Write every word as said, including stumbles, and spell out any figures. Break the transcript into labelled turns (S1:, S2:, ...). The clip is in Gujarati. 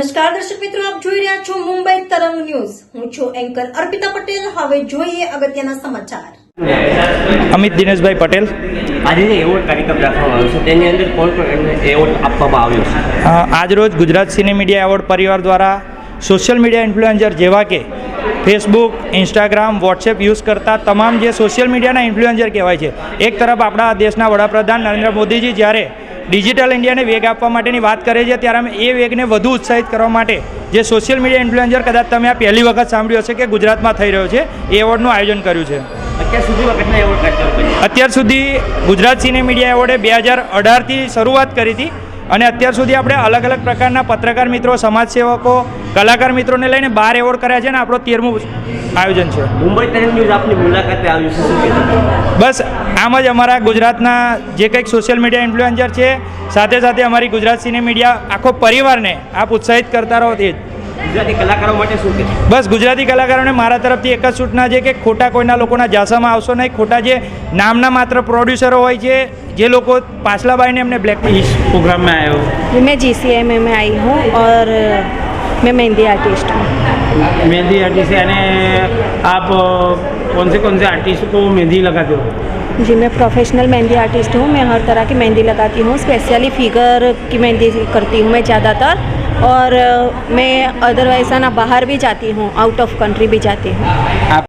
S1: નમસ્કાર દર્શક મિત્રો, આપ જોઈ રહ્યા છો મુંબઈ તરંગ ન્યૂઝ. હું છું એન્કર અર્પિતા પટેલ. હવે જોઈએ અગત્યના સમાચાર.
S2: અમિત દિનેશભાઈ પટેલ.
S3: આજે જે એવોર્ડ કાર્યક્રમ રાખવામાં આવ્યો છે તેની અંદર કોણ કોણ એવોર્ડ આપવામાં આવ્યો છે?
S2: આજરોજ ગુજરાત સિને મીડિયા એવોર્ડ પરિવાર દ્વારા સોશિયલ મીડિયા ઇન્ફ્લુએન્સર જેવા કે ફેસબુક, ઇન્સ્ટાગ્રામ, વોટ્સએપ યુઝ કરતા તમામ જે સોશિયલ મીડિયાના ઇન્ફ્લુએન્સર કહેવાય છે, એક તરફ આપણા દેશના વડાપ્રધાન નરેન્દ્ર મોદીજી જ્યારે ડિજિટલ ઇન્ડિયાને વેગ આપવા માટેની વાત કરે છે, ત્યારે અમે એ વેગને વધુ ઉત્સાહિત કરવા માટે જે સોશિયલ મીડિયા ઇન્ફ્લુએન્સર કદાચ તમે આ પહેલી વખત સાંભળ્યું હશે કે ગુજરાતમાં થઈ રહ્યો છે, એ એવોર્ડનું આયોજન કર્યું છે.
S3: અત્યાર સુધીમાં કેટલા એવોર્ડ કાર્યક્રમ કર્યા?
S2: અત્યાર સુધી ગુજરાત સિને મીડિયા એવોર્ડે બે હજાર અઢારથી શરૂઆત કરી હતી અને અત્યાર સુધી આપણે અલગ અલગ પ્રકારના પત્રકાર મિત્રો, સમાજસેવકો, કલાકાર મિત્રોને લઈને બાર એવોર્ડ કર્યા છે અને આપણો તેરમું આયોજન છે.
S3: મુંબઈ તરંગ ન્યૂઝ આપની મુલાકાતે આવ્યું છે, શું કહેશો?
S2: બસ આમ જ અમારા ગુજરાતના જે કંઈક સોશિયલ મીડિયા ઇન્ફ્લુએન્સર છે, સાથે સાથે અમારી ગુજરાત સિને મીડિયા આખો પરિવારને આપ ઉત્સાહિત કરતા રહો. તે જ
S3: ગુજરાતી કલાકારો માટે શું કહેશો?
S2: બસ ગુજરાતી કલાકારોને મારા તરફથી એક જ સૂચના છે કે ખોટા કોઈના લોકોના જાસામાં આવશો નહીં. ખોટા જે નામના માત્ર પ્રોડ્યુસરો હોય છે, જે લોકો પાછલા બાઈને એમને બ્લેક
S4: इस प्रोग्राम में आए हो?
S5: मैं जी सी एम में आई हूँ और मैं मेहंदी आर्टिस्ट हूँ.
S4: मेहंदी आर्टिस्ट यानी आप अ, कौन से कौन से आर्टिस्ट को मेहंदी लगाते हो?
S5: जी, मैं प्रोफेशनल मेहंदी आर्टिस्ट हूँ. मैं हर तरह की मेहंदी लगाती हूँ. स्पेशली फिगर की मेहंदी करती हूँ मैं ज़्यादातर, और मैं अदरवाइज ना बाहर भी जाती हूँ, आउट ऑफ कंट्री भी जाती हूँ.
S4: आप